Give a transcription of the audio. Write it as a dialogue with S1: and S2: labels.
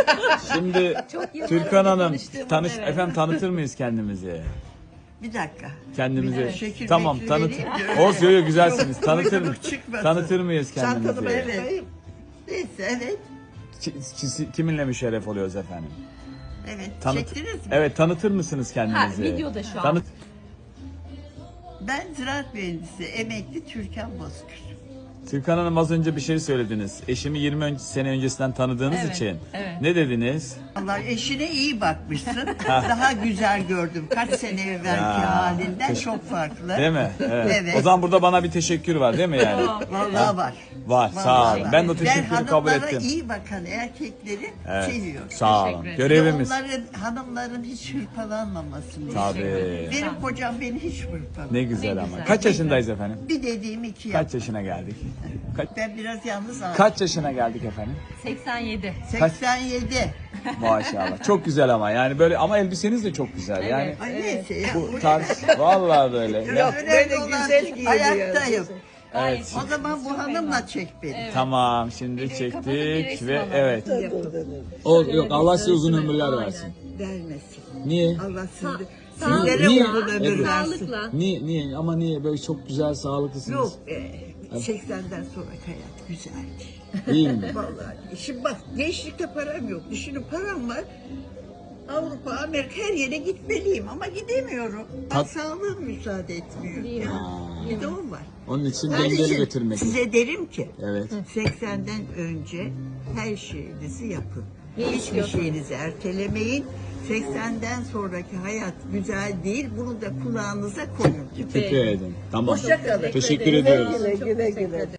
S1: Şimdi
S2: Çok yıllar
S1: Türkan
S2: önce
S1: Hanım
S2: tanıştığımız, evet.
S1: efendim tanıtır mıyız kendimizi?
S3: Bir dakika.
S1: Kendimizi.
S3: Evet. Şekil
S1: Tamam
S3: bekli
S1: tanıt.
S3: vereyim de öyle.
S1: Olsun yo, güzelsiniz. Tanıtır mı?
S3: Uyduruk çıkmasın.
S1: Tanıtır mıyız kendimizi?
S3: Çantanı evet. Neyse evet.
S1: Kiminle müşerref oluyoruz efendim?
S3: Evet.
S1: Tanıt.
S3: Çektiniz mi?
S1: Evet tanıtır mısınız kendinizi?
S2: Ha, videoda şu an.
S1: Tanıt.
S3: Ben ziraat mühendisi, emekli Türkan Bozkır.
S1: Türkan Hanım az önce bir şey söylediniz. Eşimi 20 sene öncesinden tanıdığınız
S2: Evet,
S1: için.
S2: evet.
S1: Ne dediniz?
S3: Allah eşine iyi bakmışsın. Daha güzel gördüm. Kaç sene evvelki
S1: Ya,
S3: halinden çok farklı.
S1: Değil mi? Evet.
S3: Evet.
S1: O zaman burada bana bir teşekkür var değil mi yani?
S3: Vallahi var.
S1: Var, sağ
S3: Vallahi
S1: olun.
S3: var.
S1: Ben de o teşekkürü kabul
S3: hanımlara
S1: ettim.
S3: iyi bakan erkekleri
S1: Evet.
S3: seviyorum.
S1: Sağ olun.
S2: Teşekkür ederim.
S1: Görevimiz.
S3: Hanımların hiç hırpalanmamasını
S1: Tabii.
S3: istiyorum. Benim kocam beni hiç hırpalamıyor.
S1: Ne güzel
S2: Ne
S1: ama.
S2: güzel.
S1: Kaç yaşındayız efendim?
S3: Bir dediğim iki
S1: Kaç
S3: yap.
S1: yaşına geldik?
S3: Ben biraz yalnız aldım.
S1: Kaç yaşına geldik efendim?
S2: 87.
S3: 87.
S1: Maşallah. Çok güzel ama yani böyle ama elbiseniz de çok güzel. Yani
S3: Ay neyse ya.
S1: bu tarz vallahi böyle. Ya,
S3: Önemli olan ayaktayım.
S1: evet.
S3: O zaman bu hanımla çek beni.
S1: Tamam şimdi
S2: Kapatın bir
S1: çektik
S2: resim
S1: ve
S2: alalım.
S1: evet. O yok Allah size uzun ömürler versin.
S3: Vermesin.
S1: Niye?
S3: Allah sizi,
S2: sağlıkla,
S3: sizlere
S1: niye?
S3: uzun ömür
S1: Evet.
S3: versin.
S2: Sağlıkla.
S1: Niye ama niye böyle çok güzel sağlıklısınız?
S3: Yok 80'den sonra hayat güzel değil.
S1: Değil mi?
S3: Vallahi. Şimdi bak gençlikte param yok. Düşünün param var. Avrupa, Amerika her yere gitmeliyim ama gidemiyorum. Sağlığım müsaade etmiyor. Ya. Bir de o var.
S1: Onun için
S3: Onun
S1: dengeli
S3: için
S1: götürmek.
S3: size derim ki
S1: Evet.
S3: 80'den önce her şeyinizi yapın.
S2: Ne
S3: Hiçbir
S2: istiyorsun?
S3: şeyinizi ertelemeyin. 80'den sonraki hayat güzel değil. Bunu da kulağınıza koyun.
S1: Dikkat edin. Tamam.
S3: Hoşça kalın.
S1: Teşekkür ediyoruz.
S3: Güle güle.